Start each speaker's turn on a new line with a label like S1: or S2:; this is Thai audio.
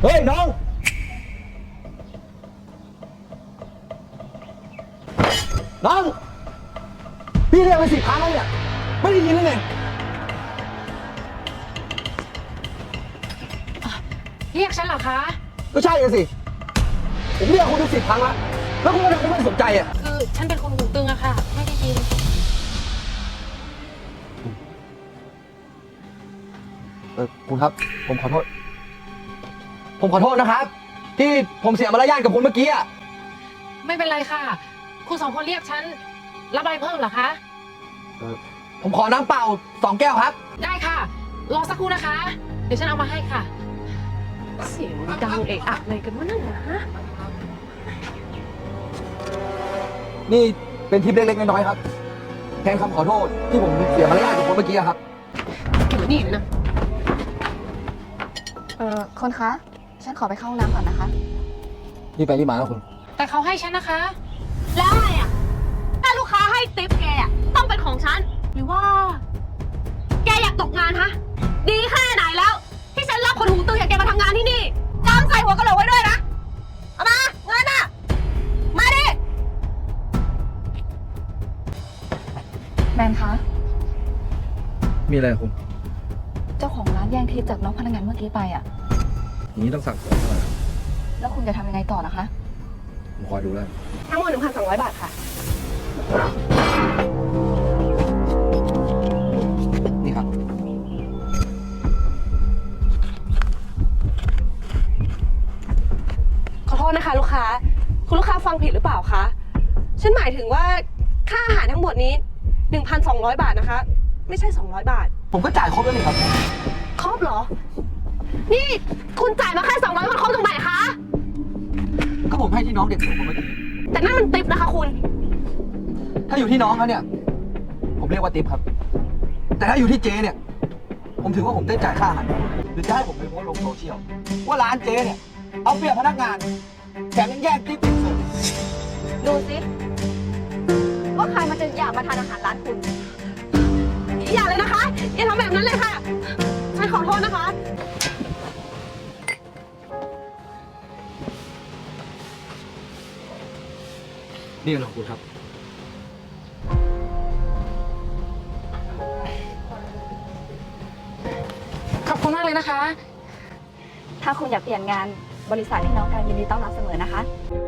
S1: ฮ้ยน้องน้องพี่เรียกไป10 ครั้งแล้วเนี่ยไม่ได้ยินเลยไง
S2: เรียกฉันเหรอคะ
S1: ก็ใช่สิผมเรียกคุณไป10 ครั้งแล้วคุณก็ยังไม่สนใจอ่ะ
S2: คือฉันเป็นคนหูตึงอะค่ะไม่ได้ยิน
S1: คุณครับผมขอโทษนะครับที่ผมเสียมารยาทกับคุณเมื่อกี้อ่ะ
S2: ไม่เป็นไรค่ะคุณ2 คนเรียกฉันรับอะไรเพิ่มเหรอคะ
S1: ผมขอน้ำเปล่า2 แก้วครับ
S2: ได้ค่ะรอสักครู่นะคะเดี๋ยวฉันเอามาให้ค่ะเสียงดังเอะอะอะไรกันวะนั่นนะ
S1: นี่เป็นทิปเล็กๆน้อยๆครับแทนคำขอโทษที่ผมเสียมารยาทกับคุณเมื่อกี้ครับ
S2: อยู่นี่นะ
S3: คนคะฉันขอไปเข้าห้องน้ำก่อนนะคะ
S1: นี่ไปที่มาแล้วคุณ
S2: แต่เขาให้ฉันนะคะ
S3: แล้วไงอ่ะถ้าลูกค้าให้ติ๊ปแกอ่ะต้องเป็นของฉันหรือว่าแกอยากตกงานฮะดีแค่ไหนแล้วที่ฉันรับคนหูตึงอย่างแกมาทำงานที่นี่จำใส่หัวกะโหลกไว้ด้วยนะเอามาเงินอ่ะมาดิแมนคะ
S1: มีอะไรคุณ
S3: เจ้าของร้านแย่งทิปจากน้องพนักงานเมื่อกี้ไปอ่ะ
S1: อย่างนี้ต้องสั่งสอนก่อน
S3: แล้วคุณจะทำยังไงต่อนะคะ
S1: ผมคอยดูแล้ว
S3: ทั้งหมด 1,200 บาทค่ะ
S1: นี่ครับ
S4: ขอโทษนะคะลูกค้าคุณลูกค้าฟังผิดหรือเปล่าคะฉันหมายถึงว่าค่าอาหารทั้งหมดนี้ 1,200 บาทนะคะไม่ใช่200 บาท
S1: ผมก็จ่ายครบแล้วนี่ครับ
S4: ครบเหรอนี่คุณจ่ายมาแค่200มันครบตรงไหนคะ
S1: ก็ผมให้ที่น้องเด็กผมเมื่อกี้
S4: แต่นั่นมันติปนะคะคุณ
S1: ถ้าอยู่ที่น้องเขาเนี่ยผมเรียกว่าติปครับแต่ถ้าอยู่ที่เจเนี่ยผมถือว่าผมได้จ่ายค่าอาหารหรือจะให้ผมไปโพสต์ลงโซเชียลว่าร้านเจเนี่ยเอาเปรียบพนักงานแถมยังแย่งติปเด็กเสิร์ฟ
S3: ดูสิว่าใครมันจะอยากมาทานอาหารร้านคุณ
S4: อย่าเลยนะคะอย่าทำแบบนั้นเลยค่ะฉันขอโทษนะคะ
S1: นี่เป็นของคุณครับ
S2: ขอบคุณมากเลยนะคะ
S3: ถ้าคุณอยากเปลี่ยนงานบริษัทพี่น้องการยินดีต้อนรับเสมอนะคะ